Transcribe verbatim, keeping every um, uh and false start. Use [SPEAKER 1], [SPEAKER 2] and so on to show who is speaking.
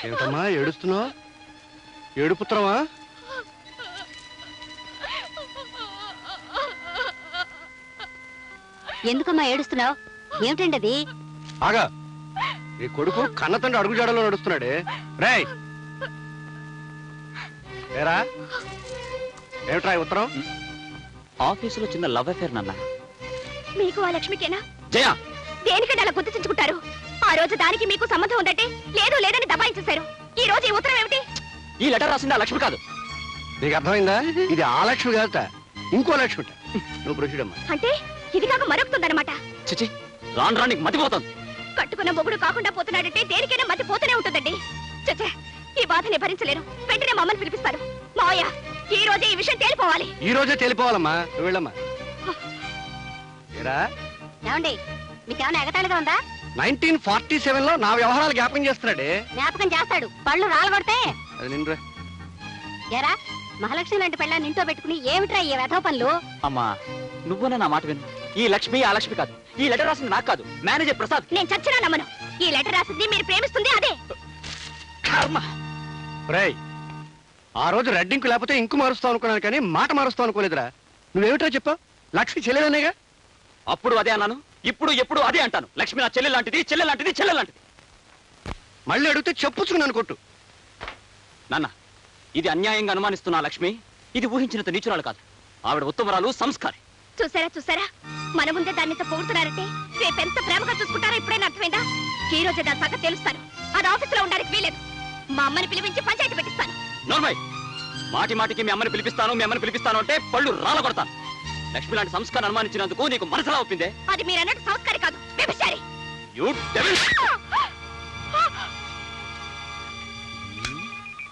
[SPEAKER 1] ఏమిటమ్మా ఏడుస్తున్నావు? ఏడుపుత్రమా?
[SPEAKER 2] ఎందుకమ్మా ఏడుస్తున్నావు? ఏమిటండి అది?
[SPEAKER 1] ఆగా, ఈ కొడుకు కన్నతండ్రి అడుగుజాడలో నడుస్తున్నాడే. రేయ్ ఏరా, ఏమిట్రా ఈ ఉత్తరం?
[SPEAKER 3] ఆఫీసులో చిన్న లవ్ అఫేర్ నాన్న.
[SPEAKER 2] మీకు ఆ లక్ష్మికేనా?
[SPEAKER 3] జయ,
[SPEAKER 2] దేనికంటే అలా గుర్తించుకుంటారు? ఆ రోజు దానికి మీకు సంబంధం ఉందంటే లేదు లేదని దబాయించేశారు. ఈ రోజు ఈ ఉత్తరం ఏమిటి?
[SPEAKER 3] ఈ లెటర్ రాసింది ఆ లక్ష్మి కాదు.
[SPEAKER 1] నీకు అర్థమైందా? ఇది ఆ లక్ష్మి కాదట, ఇంకో లక్ష్మి. నువ్వు ప్రొసీడమ్మా.
[SPEAKER 2] అంటే ఇది కాక మరొకుతుందన్నమాట.
[SPEAKER 3] చిచి, రాను రానికి మతిపోతుంది.
[SPEAKER 2] కట్టుకున్న మొగుడు కాకుండా పోతున్నాడంటే దేనికైనా మతి పోతూనే ఉంటుందండి. చచ్చే, ఈ బాధని భరించలేను. వెంటనే మమ్మల్ని పిలిపిస్తారు. మావయ్య, ఈ రోజే ఈ విషయం తేలిపోవాలి.
[SPEAKER 1] ఈ రోజే తేలిపోవాలమ్మా. నువ్వు వెళ్ళమ్మా. ఏరా,
[SPEAKER 2] ఏమండి, మీకేమైనా ఎగతాళిగా ఉందా?
[SPEAKER 1] నైన్టీన్ ఫార్టీ సెవెన్ లో నా వ్యవహారాలు జ్ఞాపకం చేస్తున్నాడే.
[SPEAKER 2] జ్ఞాపకం చేస్తాడు, పళ్ళు రాలగొడితే.
[SPEAKER 1] అది నిన్నురా.
[SPEAKER 2] ఎరా, మహాలక్ష్మి లాంటి పెళ్ళాన్ని ఇంట్లో పెట్టుకుని ఏమిట్రా ఈ వెధవ పనులు?
[SPEAKER 3] అమ్మా, నువ్వునే నా మాట విను. ఈ లక్ష్మి ఆ లక్ష్మి కాదు. ఈ లెటర్ రాసింది నాకు కాదు, మేనేజర్ ప్రసాద్.
[SPEAKER 2] నేను చచ్చినా నమ్మను. ఈ లెటర్ రాసింది మీరు ప్రేమిస్తుంది అదే.
[SPEAKER 3] కర్మ.
[SPEAKER 1] రేయ్, ఆ రోజు రెడ్డింకు లేకపోతే ఇంకు మారుస్తావు అనుకున్నాను, కానీ మాట మారుస్తావు అనుకోలేదురా. నువ్వేమిటో చెప్పావు? లక్ష్మి చెల్లెలనేగా.
[SPEAKER 3] అప్పుడు అదే అన్నాను, ఇప్పుడు ఎప్పుడు అదే అంటాను. లక్ష్మి నా చెల్లె లాంటిది, చెల్లె లాంటిది, చెల్లె లాంటిది.
[SPEAKER 1] మళ్ళీ అడిగితే చెప్పుచ్చుకున్నాను కొట్టు.
[SPEAKER 3] నాన్న, ఇది అన్యాయంగా అనుమానిస్తున్నా లక్ష్మి. ఇది ఊహించినంత నీచురాలు కాదు. ఆవిడ ఉత్తమరాలు, సంస్కారి.
[SPEAKER 2] చూసారా చూసారా, మన ముందే దాన్ని ఇంత పొగుడుతున్నారంటే రేపెంత ప్రేమగా చూసుకుంటారో ఇప్పుడైనా అర్థమైందా? ఈ రోజే దాని సంగతి తెలుస్తాను. అది ఆఫీసులో ఉండడానికి వీలేదు. మా అమ్మని పిలిపించి పంచాయతీ పెట్టిస్తాను.
[SPEAKER 3] నోర్మయ్, మాటి మాటికి మీ అమ్మని పిలిపిస్తాను మీ అమ్మని పిలిపిస్తాను అంటే పళ్ళు రాల కొడతాను. లక్ష్మి లాంటి సంస్కారం అనుమానించినందుకు నీకు మనసులా ఒప్పిందే?
[SPEAKER 2] అది మీరన్నట్టు సంస్కారి కాదు, వ్యభిచారి.
[SPEAKER 3] You devil!